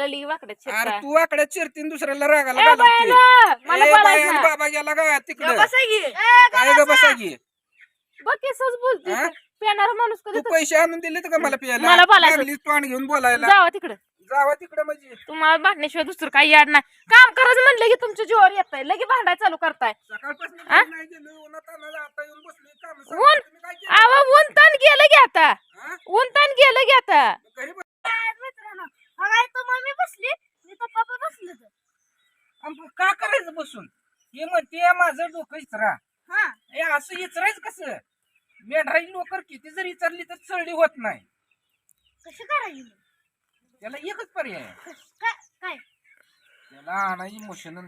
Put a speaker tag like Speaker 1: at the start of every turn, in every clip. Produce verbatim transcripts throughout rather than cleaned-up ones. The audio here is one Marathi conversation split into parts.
Speaker 1: लिही वाकड्यात
Speaker 2: अरे
Speaker 1: शिरता.
Speaker 2: तू आकड्यात चिरतीन दुसऱ्याला रागाला
Speaker 1: ए
Speaker 2: घालवते.
Speaker 1: बायाला, मला
Speaker 2: ए
Speaker 1: बोलायचं
Speaker 2: बाया
Speaker 1: नाही.
Speaker 2: बाबा गेला का तिकडे
Speaker 1: बसा की.
Speaker 2: काय ग बसा की
Speaker 1: बघ केसच बोलते
Speaker 2: हा?
Speaker 1: पेणार माणूस
Speaker 2: तू
Speaker 1: कधी
Speaker 2: पैसे आणून दिले का मला प्यायला
Speaker 1: मला बोलायचं.
Speaker 2: लागलीस तोंड घेऊन बोलायला
Speaker 1: जावा तिकडे.
Speaker 2: जावा तिकडे म्हणजे
Speaker 1: तुम्हाला भांडण्याशिवाय दुसरं काही याड नाही. काम करायचं म्हणलं की तुमच्या जीवावर येत आहे, लगे भांडाय चालू करताय.
Speaker 2: सकाळपासून
Speaker 1: हा?
Speaker 2: नाही गेलो उन्हात आणलं, आता येऊन बसलोय काम
Speaker 1: ऊन
Speaker 2: तुम्ही काय केलं?
Speaker 1: आवा ऊन ताण गेलं की आता.
Speaker 2: हा?
Speaker 1: ऊन ताण गेलं की आता.
Speaker 2: घरी बस.
Speaker 1: मम्मी बसली मी तर पप्पा बसले.
Speaker 2: आणि का करायचं बसून हे म्हणते माझं डोकं इचरा हे असं इचरायचं कसं मेंढराची लोकर किती जर इचरली तर चढली होत नाही.
Speaker 1: कशी करायची
Speaker 2: त्याला एकच पर्याय आहे.
Speaker 1: काय
Speaker 2: त्याला आणायची मोशन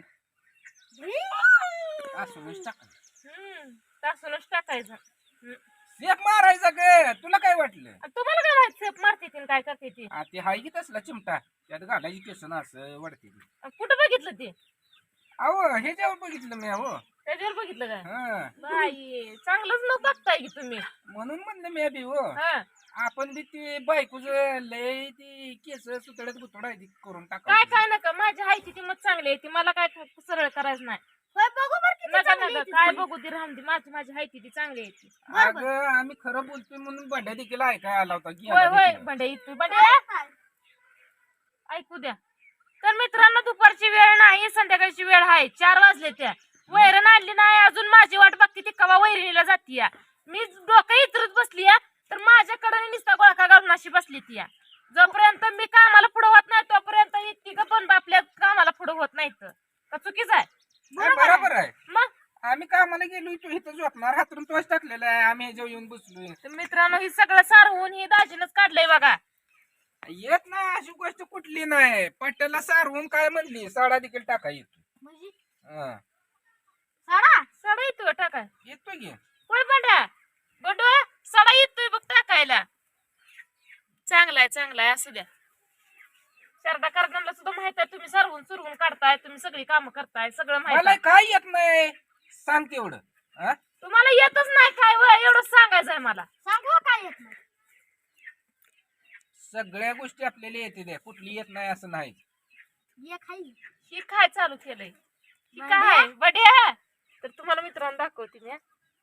Speaker 2: असं टाकायचं
Speaker 1: तासूनच टाकायचं.
Speaker 2: सेप मारायचा ग तुला काय वाटलं
Speaker 1: तुम्हाला काय माहित सेप मारते ती काय करते ती.
Speaker 2: आ, ते हाय की तसला चिमटा त्यात घालायची केसन असं वाढते ती.
Speaker 1: कुठं बघितलं ते.
Speaker 2: अहो हे जेव्हा बघितलं मी अहो
Speaker 1: त्याच्यावर बघितलं काय.
Speaker 2: हा
Speaker 1: बाई चांगलंच लोक बघताय की तुम्ही.
Speaker 2: म्हणून म्हणलं मी बी हो
Speaker 1: हा
Speaker 2: आपण बी ती बायकोच लय ती केस सुतळ्यात गुतडा करून
Speaker 1: काय
Speaker 2: टाका
Speaker 1: काय नका माझी हाय ती मत चांगली आहे ती मला काय सरळ करायचं नाही. नका नका काय बघू ती राहून ती माझी माझी हाय ती चांगली आहे ती.
Speaker 2: अगं आम्ही खरं बोलतोय म्हणून भांड्या देखील ऐकाय आला होता की
Speaker 1: होय होय भांड्या इथं भांड्या ऐकू द्या. तर मित्रांनो दुपारची वेळ नाही संध्याकाळची वेळ आहे चार वाजले त्या वैरण आणली नाही अजून माझी वाट बघते ती कवा वैरणीला जाती. मी डोकं इतरत बसली तर माझ्याकडे नुसता गोळका घालून अशी बसली ती. जोपर्यंत मी कामाला पुढं होत नाही तोपर्यंत तिघ पण आपल्या कामाला पुढं होत नाहीत का चुकीच आहे.
Speaker 2: बरोबर आहे.
Speaker 1: मग
Speaker 2: आम्ही कामाला गेलो तू इथं झोपणार हातरून तोच टाकलेला आहे आम्ही ह्याच्यावर येऊन बसलोय.
Speaker 1: तर मित्रांनो ही सगळं सारवून ही दाजीनच काढलंय बघा.
Speaker 2: येत नाही अशी गोष्ट कुठली नाही पट्ट्याला सारवून काय म्हणली साडा देखील टाका येतो. हा.
Speaker 1: साडा साडा येतोय टाकाय
Speaker 2: येतो की
Speaker 1: होय बंड्या बंडू साडा येतोय बघ टाकायला. चांगलाय चांगलाय असू द्या. शारदा कारखान्याला सुद्धा माहित आहे तुम्ही सरवून सुरवून काढताय तुम्ही सगळी कामं करताय सगळं माहित
Speaker 2: मला
Speaker 1: आहे.
Speaker 2: काय येत नाही सांग तेवढं हा?
Speaker 1: तुम्हाला येतच नाही काय वय एवढं सांगायचंय मला. सांगा काय येत नाही.
Speaker 2: सगळ्या गोष्टी आपल्याला येते द्या कुठली येत नाही असं नाही.
Speaker 1: ही काय चालू केलंय ही काय बड्या तर तुम्हाला मित्रांनो दाखवते मी.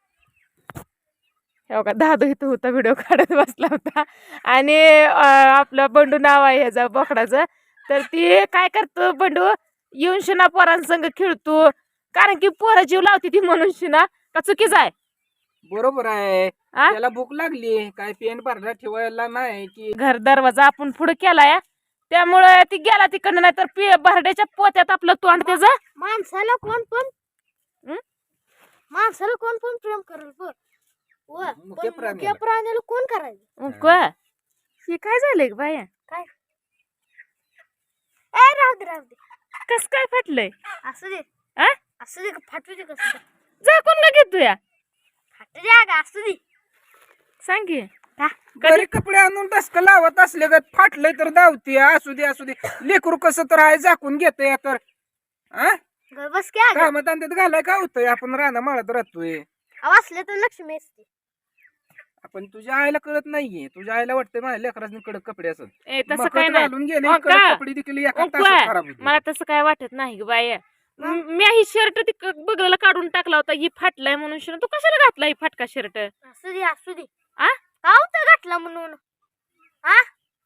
Speaker 1: हे बघा दादू इथं होता व्हिडिओ काढत बसला होता आणि आपलं बंडू नाव आहे ह्याचा बोकडाचं. तर ती काय करतो बंडू येऊन शिना पोरांसंग खेळतो कारण की पोरं जीव लावते ती म्हणून शिना का चुकीच आहे.
Speaker 2: बरोबर आहे
Speaker 1: आ?
Speaker 2: त्याला भूक लागली काय पेन भरला ठेवायला नाही की
Speaker 1: घर दरवाजा आपण पुढे केलाय त्यामुळे ती गेला तिकडनं नाही तर भरड्याच्या पोत्यात आपलं तोंड त्याचं.
Speaker 3: माणसाला कोण पण माणसाला कोण पण प्रेम करेल पण
Speaker 2: मुख्य प्राणी
Speaker 3: मुख्य प्राण्याला कोण करायचं.
Speaker 1: का हे काय झालंय बाया
Speaker 3: काय ए राहू दे राहू दे
Speaker 1: कस काय फाटलंय.
Speaker 3: असू दे
Speaker 1: आ
Speaker 3: असू दे फाटू दे कसं
Speaker 1: झाकून का घेतो या
Speaker 3: फाटू दे अगं असू दे.
Speaker 1: सांग की
Speaker 2: घरी कपडे आणून टसक लावत असले ग फाटलंय तर धावते असू दे असू दे लेकरू कसं तर आहे झाकून घेतोय तर हा
Speaker 3: गं बस क्या
Speaker 2: कामात आणतात घालाय काय होतंय आपण राहणं माळत राहतोय.
Speaker 3: वाचले तर लक्ष्मी असते.
Speaker 2: आपण तुझ्या आईला कळत नाहीये तुझ्या आईला वाटतंय माझ्या लेकरांनी कडक कपडे असत
Speaker 1: ए तसं काय नाही
Speaker 2: घालून गेले
Speaker 1: हो
Speaker 2: कडक
Speaker 1: का?
Speaker 2: कपडे देखील एका
Speaker 1: हो
Speaker 2: तासात
Speaker 1: का?
Speaker 2: खराब होते.
Speaker 1: मला तसं काय वाटत नाही ग बाया. मी ही शर्ट ती बगलाला काढून टाकला होता ही फाटलाय म्हणून शिना तू कशाला घातला ही फाटका शर्ट.
Speaker 3: असू दे असू दे
Speaker 1: आ
Speaker 3: का होतं घातला म्हणून आ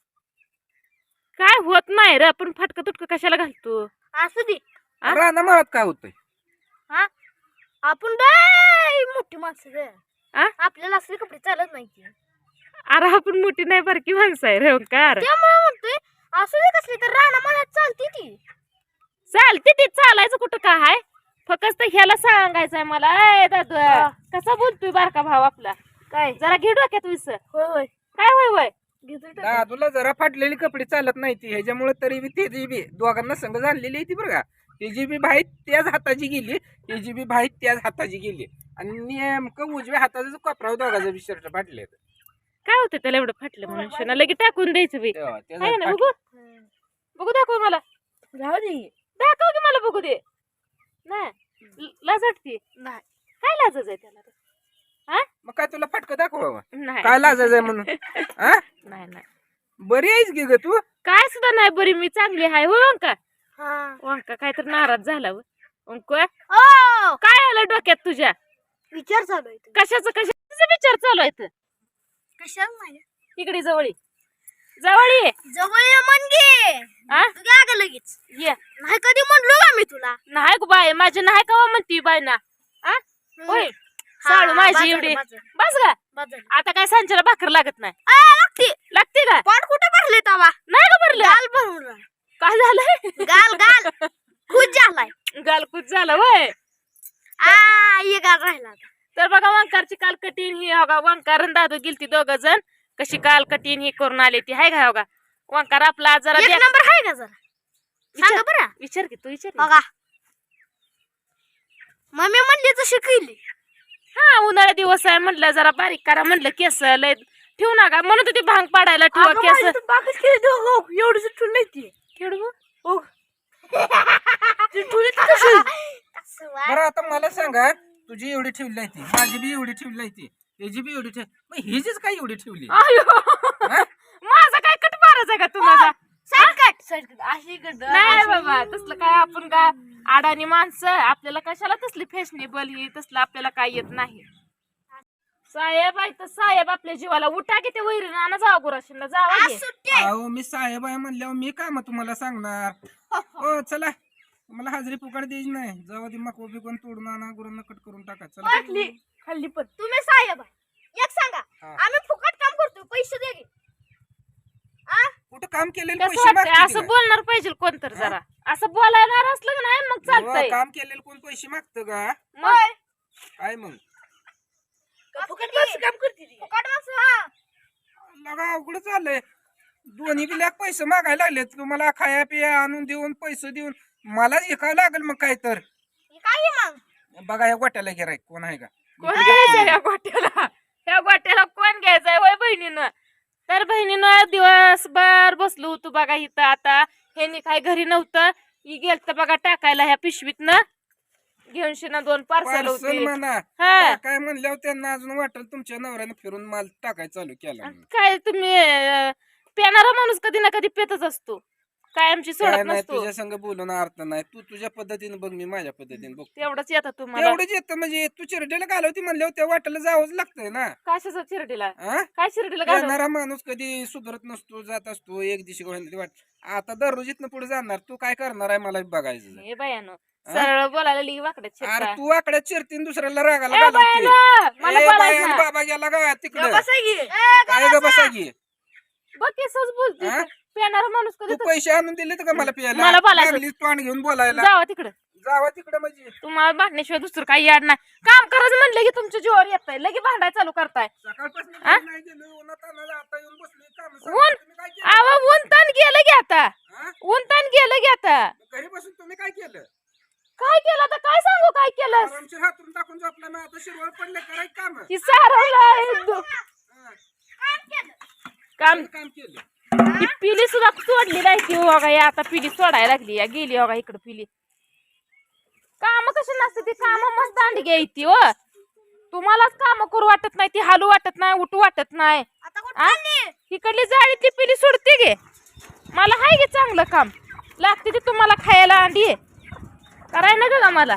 Speaker 1: काय होत नाही रे आपण फाटका तुटका कशाला घालतो.
Speaker 3: असू दे
Speaker 1: आ?
Speaker 2: राहणं माळत काय होतंय
Speaker 3: हा आपण लय मोठी माणसं ग
Speaker 1: आ
Speaker 3: आपल्याला असले कपडे चालत नाही की.
Speaker 1: अरे आपण मोठी नाही बारकी माणसं आहे रेवकार.
Speaker 3: त्यामुळे म्हणतोय असू दे कसली तर राणा मला चालते ती
Speaker 1: चालते ते चालायचं कुठं काय आहे फक्त ह्याला सांगायचंय मला. ए दादू कसा बोलतोय बारका भाव आपला
Speaker 3: काय
Speaker 1: जरा घे डोक्यात विस
Speaker 3: होय होय
Speaker 1: काय होय होय
Speaker 3: घेतो
Speaker 2: हा, तुला जरा फाटलेली कपडे चालत नाही ती ह्याच्यामुळे तरी बी त्याची बी दोघांना संघ झालेली आहे ती बरं का. त्याची बी भाई त्याच हाताची गेली त्याची बी भाई त्याच हाताची गेली आणि नेमकं उजव्या हाताचा कोपराव दोघाचा बी शर्ट फाटले.
Speaker 1: काय होतं त्याला एवढं फाटलं म्हणून शिना लगे टाकून द्यायचं बी आहे ना. बघू बघू दाखव मला
Speaker 3: राहू दे
Speaker 1: दाखव की मला बघू दे. नाही लाजटती
Speaker 3: नाही
Speaker 1: काय लाजच आहे त्याला रे? हा
Speaker 2: मग काय तुला फाटकं दाखवावं
Speaker 1: नाही
Speaker 2: काय लाजायचंय म्हणून हा
Speaker 1: नाही नाही
Speaker 2: बरी आहेस की ग तू
Speaker 1: काय सुद्धा नाही बरी मी चांगली आहे हो अंका.
Speaker 3: हा.
Speaker 1: अंका काय तर नाराज झाला हो. अंक
Speaker 3: ओ
Speaker 1: काय आलं डोक्यात तुझ्या?
Speaker 3: विचार चालू आहे तुझा.
Speaker 1: कशाचं कशाचा विचार चालू आहे?
Speaker 3: कशाला माझ्या
Speaker 1: इकडे जवळी जवळी
Speaker 3: जवळ ये मन घे.
Speaker 1: आ
Speaker 3: तू घ्या ग लगेच.
Speaker 1: ये
Speaker 3: नाही कधी म्हणलो का मी तुला.
Speaker 1: नाही गो बाय माझी नाही का म्हणती बाय ना. आ होय साळू माझी एवढी बस गा. आता काय सांच्याला भाकर लागत नाही.
Speaker 3: लागते
Speaker 1: लागते का?
Speaker 3: पोट कुठे भरले तवा.
Speaker 1: नाही का भरलं?
Speaker 3: गाल भरून राहिला.
Speaker 1: काय झालंय?
Speaker 3: गाल गाल खूप झालाय.
Speaker 1: गालकूच झालं वय.
Speaker 3: आ ये गाल राहिला आता.
Speaker 1: तर बघा वंकारची काल कटीन ही बघा वंकार आणि दादू गेलती दोघ जण कशी काल कटीन ही करून आली ती हाय का बघा. वंकार आपला जरा
Speaker 3: एक
Speaker 1: देख-
Speaker 3: नंबर आहे का जरा सांगा
Speaker 1: विचार
Speaker 3: बरं.
Speaker 1: विचार की तू विचार की.
Speaker 3: बघा मम्मी म्हणली तशी केली.
Speaker 1: हा उन्हाळा दिवस आहे म्हटलं जरा बारीक करा म्हटलं केस लय ठेवू नका म्हणून ती भांग पाडायला ठेवा केस
Speaker 3: एवढी ठुल नाही ती.
Speaker 1: खेळू
Speaker 2: बरं आता मला सांगा तुझी एवढी ठेवली आहे ती माझी बी एवढी ठेवली आहे ती त्याची बी एवढी ठेव मग हिचीच काय एवढी ठेवली
Speaker 1: आयो
Speaker 2: हा?
Speaker 1: माझा काय कट मारायचा आहे का तुम्हाला?
Speaker 3: सरकट सरकट अशी गड
Speaker 1: नाही बाबा तसलं काय आपण का अडाणी माणसं आपल्याला कशाला तसली फॅशनेबल ही तसलं आपल्याला काय येत नाही. साहेब आहे तर साहेब आपल्या जीवाला उठा की ते वैरीनं आणा जावा गुराशीला जावा की.
Speaker 3: सुट्टी
Speaker 2: अहो मी साहेब आहे म्हणल्यावर मी काय मग तुम्हाला सांगणार. हो चला मला हाजरी फुकट द्यायची नाही जेव्हा ती मको बिकून तोडून आणा गुरांना कट करून टाका चला.
Speaker 3: खाल्ली खाल्ली पण तुम्ही साहेब आहे. एक सांगा
Speaker 2: हा.
Speaker 3: आम्ही फुकट काम करतो पैसे दे की. आ
Speaker 2: कुठं काम केलेले
Speaker 1: कसं
Speaker 2: पैसे
Speaker 1: वाटतंय
Speaker 2: मागते
Speaker 1: असं बोलणार पाहिजे कोण तर जरा असं बोलायला असलं का नाही मग चालतंय.
Speaker 2: काम केलेलं कोण पैसे मागतं का
Speaker 1: मग
Speaker 2: काय मग
Speaker 3: फुकट माणसं काम करते ती. फुकट माणसं हा.
Speaker 2: लगा अवघड चाललंय दोन्ही बी लाख पैसे मागायला लागले तुम्हाला खाया पिया आणून देऊन पैसे देऊन मलाच एकावं लागेल मग काय तर
Speaker 3: हे काय आहे मग
Speaker 2: बघा या गोट्याला गिराय कोण आहे का
Speaker 1: कोण घ्यायचंय या गोट्याला? या गोट्याला कोण घ्यायचंय वय बहिणीनं? तर बहिणीनं दिवसभर बसलो होतो बघा इथं. आता ह्यांनी काय घरी नव्हतं ही गेलत बघा टाकायला ह्या पिशवीतनं घेऊन शिना दोन पार्सल
Speaker 2: पार्सल
Speaker 1: होते.
Speaker 2: म्हणा
Speaker 1: हा
Speaker 2: काय म्हणल्यावर त्यांना अजून वाटलं तुमच्या नवऱ्याने फिरून माल टाकायला चालू केला म्हणून.
Speaker 1: काय तुम्ही अं, पेणारा माणूस कधी ना कधी पेतच असतो काय आमची
Speaker 2: काय
Speaker 1: सोडत
Speaker 2: नाही
Speaker 1: नसतो.
Speaker 2: तुझ्या संग बोलून अर्थ नाही तू तुझ्या पद्धतीने बघ मी माझ्या पद्धतीने बघ
Speaker 1: तेवढंच येतं तुम्हाला.
Speaker 2: तेवढंच येतं म्हणजे तू चिरडेला घालवती म्हणल्यावर त्या वाटेला जावंच लागतंय ना.
Speaker 1: कशाचं शिर्डीला
Speaker 2: हा?
Speaker 1: काय शिर्डीला घालून?
Speaker 2: येणारा माणूस कधी सुधरत नसतो जात असतो एक दिवशी गोविंद वाट आता दररोज इथनं पुढे जाणार तू काय करणार आहे मला बघायचं.
Speaker 1: हे बायानो सरळ बोलायला लिही वाकड्यात
Speaker 2: अरे
Speaker 1: शिरता.
Speaker 2: तू आकड्यात चिरतीन दुसऱ्याला रागाला
Speaker 1: ए
Speaker 2: घालवते.
Speaker 1: बायानो, मला
Speaker 2: ए
Speaker 1: बोलायचं
Speaker 2: बाया,
Speaker 1: ना.
Speaker 2: बाबा गेला का तिकडं
Speaker 3: बसा की.
Speaker 2: काय ग बसा की
Speaker 1: बघ केसच बोलते
Speaker 2: हा?
Speaker 1: पेणारा माणूस कधी
Speaker 2: तू पैसे आणून दिले का मला प्यायला
Speaker 1: मला बोलायचं.
Speaker 2: लागलीस तोंड घेऊन बोलायला
Speaker 1: जावा तिकडं.
Speaker 2: जावा तिकडे म्हणजे
Speaker 1: तुम्हाला भांडण्याशिवाय दुसरं काही याड नाही. काम करायचं म्हणलं की तुमच्या जीवावर येत लगे भांडाय चालू करताय.
Speaker 2: सकाळपासून
Speaker 1: हा?
Speaker 2: नाही गेलो उन्हात तानाला आता येऊन बसलोय काम
Speaker 1: ऊन
Speaker 2: तुम्ही काय केलं
Speaker 1: आवा ऊन ताण गेलं की आता
Speaker 2: हा?
Speaker 1: ऊन ताण गेलं की आता
Speaker 2: घरी बसून तुम्ही काय केलं
Speaker 1: काय केलं आता काय सांगू काय केलं
Speaker 2: आरामशीर हातून टाकून झोपला ना आता शिरवळ पडले करायचं काम
Speaker 1: की सारवलं काम
Speaker 2: काम केलं
Speaker 1: ही पिली सुद्धा सोडली नाही की बघा या आता पिली सोडायला लागली या गेली बघा इकडे पिली. काम कशी नसते ती काम मस्त दांडी घ्यायची हो. तुम्हालाच काम करू वाटत नाही ती हालू वाटत नाही उठू वाटत नाही.
Speaker 3: आता कुठं
Speaker 1: आ?
Speaker 3: चालली?
Speaker 1: इकडली जाळीतली पिली सोडते गे मला हाय गे चांगलं काम लागते ती तुम्हाला खायला अंडी कराय ना ग मला.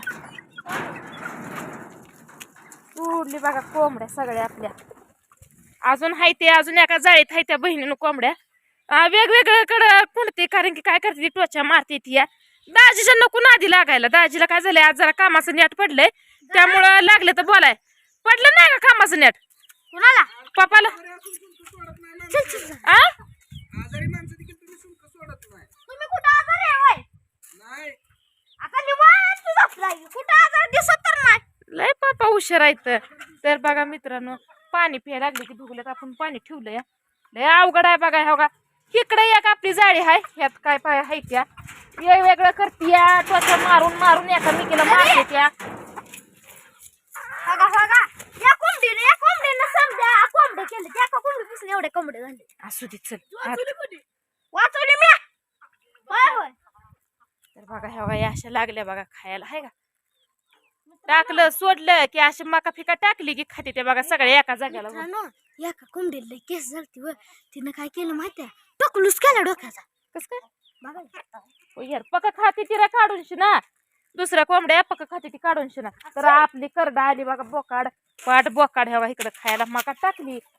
Speaker 1: सोडली बघा कोंबड्या सगळ्या आपल्या अजून हाय ते अजून एका जाळीत हाय त्या बहिणीनं कोंबड्या वेगवेगळ्याकडं कुणते कारण की काय करते ती टोचा मारते ती या दाजीच्या नको नादी लागायला. दाजीला काय झालंय आज जरा कामाचं नेट पडलंय त्यामुळं लागले तर बोलाय पडलं नाही का कामाचं नेट
Speaker 3: कुणाला
Speaker 1: पप्पाला
Speaker 2: घरी असून शुल्क सोडत नाही ना.
Speaker 3: चल चल चल.
Speaker 1: आ
Speaker 2: आजारी माणसं देखील तुम्ही शुल्क सोडत नाही
Speaker 3: तुम्ही कुठं आजार आहे होय?
Speaker 2: नाही
Speaker 3: आता निवांत झोपलाय. कुठं आजार दिसत तर नाही.
Speaker 1: लय पापा हुशार आहेत. तर बघा मित्रांनो पाणी प्यायला लागले की भुगल्यात आपण पाणी ठेवलंय लय अवघड आहे बघा हो का. इकडे एक आपली जाळी आहे ह्यात काय पाय आहे त्या वेगवेगळं करतीया त्वचा मारून मारून एकामेकीला मारते त्या.
Speaker 3: बघा बघा या कोंबडीने या कोंबडीने समजा कोंबडे केले त्या कोंबडीपासून एवढे कोंबडे झाले.
Speaker 1: असू दे चल आत.
Speaker 3: वाचवली मी होय होय.
Speaker 1: तर बघा ह्या बघा या अशा लागल्या बघा खायला आहे का. टाकलं सोडलं की अशी मका फिका टाकली की खाते ते बघा सगळ्या एका जाग्याला.
Speaker 3: एका कोंबडीला केस झालती व तिनं काय केलं माहितीये टोकलूस केला डोक्याचा
Speaker 1: कस काय
Speaker 3: बघा
Speaker 1: ओ यार पका खाती तिला काढून शिना दुसऱ्या कोंबड्या पका खाती ती काढून शिना तर आपली करडा आली बघा बोकाड पाट बोकाड ह्यावा इकडे खायला मका टाकली